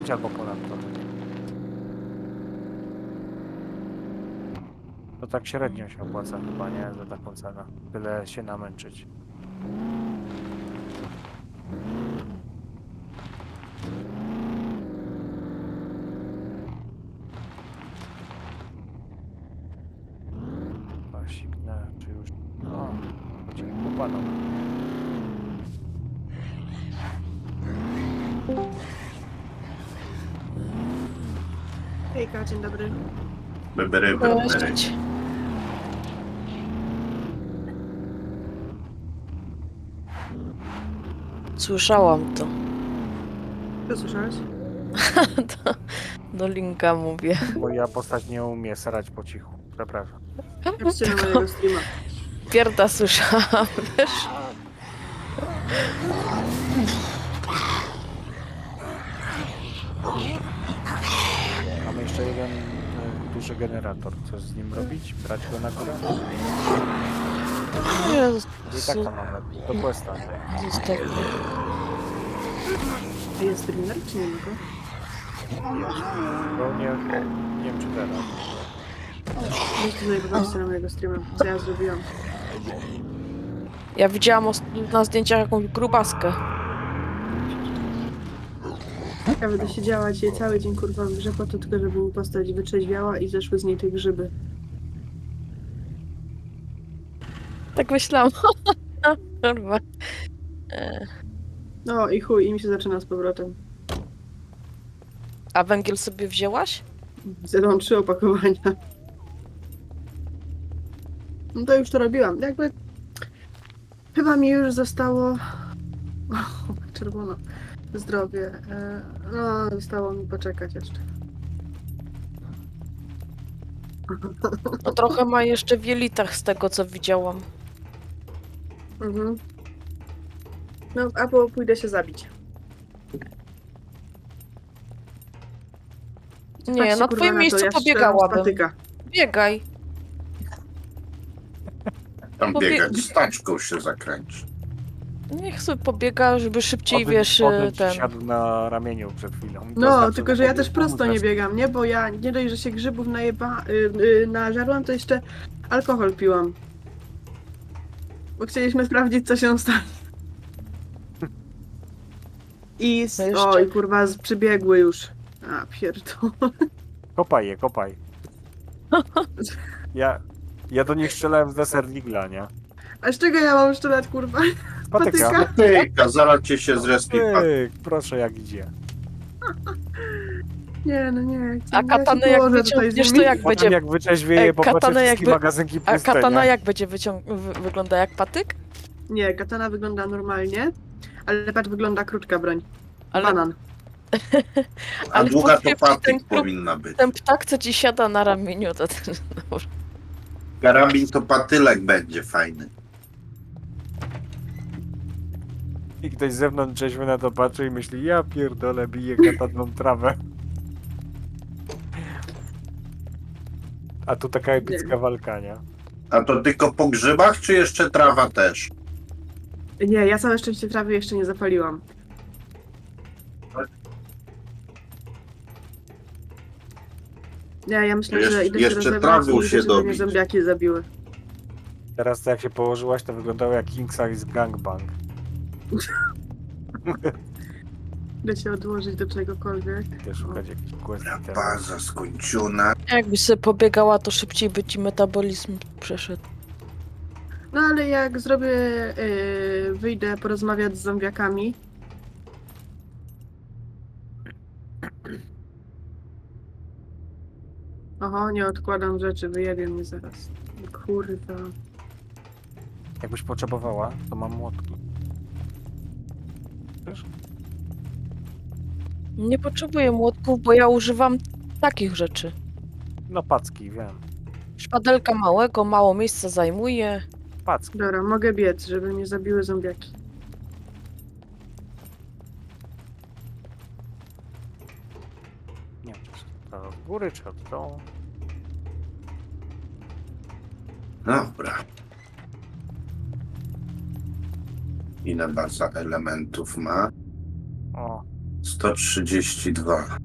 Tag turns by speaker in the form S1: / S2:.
S1: 10 albo ponad to. To tak średnio się opłaca chyba, nie? Za taką cenę. Tyle się namęczyć. Siknę, czy już... O, chodzi po panu.
S2: Hejka, dzień dobry.
S3: Bebery.
S4: Cześć. Słyszałam to.
S2: Co słyszałeś?
S4: Do Linka mówię.
S1: Moja postać nie umie serać po cichu. Przepraszam.
S2: Patrzcie na mojego streama.
S4: Pierda słyszałam, wiesz?
S1: Mamy jeszcze jeden duży generator. Co z nim robić? Brać go na górę?
S4: Jezus,
S1: I tak to mamy. Do questa.
S4: zostaw.
S2: A jest streamer, czy nie ma go?
S1: Bo nie wiem czy teraz.
S2: Weź tutaj popatrzcie na mojego streama, co ja zrobiłam.
S4: Ja widziałam na zdjęciach jakąś grubaskę.
S2: Ja będę siedziała dzisiaj cały dzień kurwa w grze po to tylko, żeby mi postać wytrzeźwiała i zeszły z niej te grzyby.
S4: Tak myślałam. Kurwa.
S2: No i chuj, i mi się zaczyna z powrotem.
S4: A węgiel sobie wzięłaś?
S2: Zjadłam 3 opakowania. No to już to robiłam. Jakby... Chyba mi już zostało... czerwono. Zdrowie. No, zostało mi poczekać jeszcze.
S4: No trochę ma jeszcze w jelitach z tego, co widziałam.
S2: Mhm. No, albo pójdę się zabić.
S4: Nie,
S2: Patrzcie,
S4: na
S2: kurwa,
S4: twoim
S2: to,
S4: miejscu
S2: ja strzelam z
S4: pobiegałabym.
S2: patyka.
S4: Biegaj.
S3: Tam biegać, z taczką się zakręci.
S4: Niech sobie pobiega, żeby szybciej, wiesz,
S1: Potem ci
S4: ten...
S1: siadł na ramieniu przed chwilą. To
S2: No,
S1: znaczy,
S2: tylko że ja
S1: pobiegł
S2: też prosto
S1: pomóc
S2: nie biegam, nie? Bo ja nie dość, że się grzybów nażarłam, to jeszcze alkohol piłam. Bo chcieliśmy sprawdzić, co się stanie. I...
S4: No jeszcze-
S2: Oj, kurwa, przybiegły już. A, pierdolę.
S1: Kopaj je, kopaj. Ja do nich strzelałem z deserwigla, nie?
S2: A z czego ja mam strzelać, kurwa?
S1: Z patyka.
S2: Patyka?
S3: Tyka, zaraz cię się zrespi.
S1: Proszę jak idzie.
S2: Nie, no nie.
S4: A katanę jak wyciągniesz, to jak
S1: Potem
S4: będzie...
S1: jak wyczeźwieje, popatrzę
S4: katanę
S1: wszystkie
S4: jakby-
S1: magazynki
S4: A
S1: puste,
S4: katana
S1: nie?
S4: jak będzie wygląda jak patyk?
S2: Nie, katana wygląda normalnie, ale patrz, wygląda krótka broń.
S4: Ale,
S2: Banan.
S3: A
S4: ale
S3: długa to
S4: powiem ci,
S3: patyk
S4: ten klub-
S3: powinna być.
S4: ten ptak, co ci siada na ramieniu, to ten...
S3: Karabin to patylek będzie fajny.
S1: I ktoś z zewnątrz trzeźwy na to patrzy i myśli, ja pierdolę, bije kataną trawę. A tu taka epicka walka, nie?
S3: A to tylko po grzybach, czy jeszcze trawa też?
S2: Nie, ja całe szczęście trawy jeszcze nie zapaliłam. Nie, ja myślę, że idę się
S3: Jeszcze
S2: rozebrać
S3: trawy
S2: i idę,
S3: się
S2: żeby mnie
S3: dobić.
S2: zombiaki zabiły.
S1: Teraz to jak się położyłaś, to wyglądało jak King Size Gangbang.
S2: Idę się odłożyć do czegokolwiek.
S1: Idę szukać jakichś quest itemów.
S3: Baza skończona.
S4: Jakbyś sobie pobiegała, to szybciej by ci metabolizm przeszedł.
S2: No ale jak zrobię, wyjdę porozmawiać z zombiakami. Oho, nie odkładam rzeczy, wyjebie mnie zaraz. Kurwa.
S1: Jakbyś potrzebowała, to mam młotki. Wiesz?
S4: Nie potrzebuję młotków, bo ja używam takich rzeczy.
S1: No packi, wiem.
S4: Szpadelka małego, mało miejsca zajmuje.
S1: Packi.
S2: Dobra, mogę biec, żeby mnie zabiły zombiaki.
S1: Nie wiem, czy to od góry, czy od dołu.
S3: Dobra. Ile baza elementów ma?
S1: O,
S3: 132.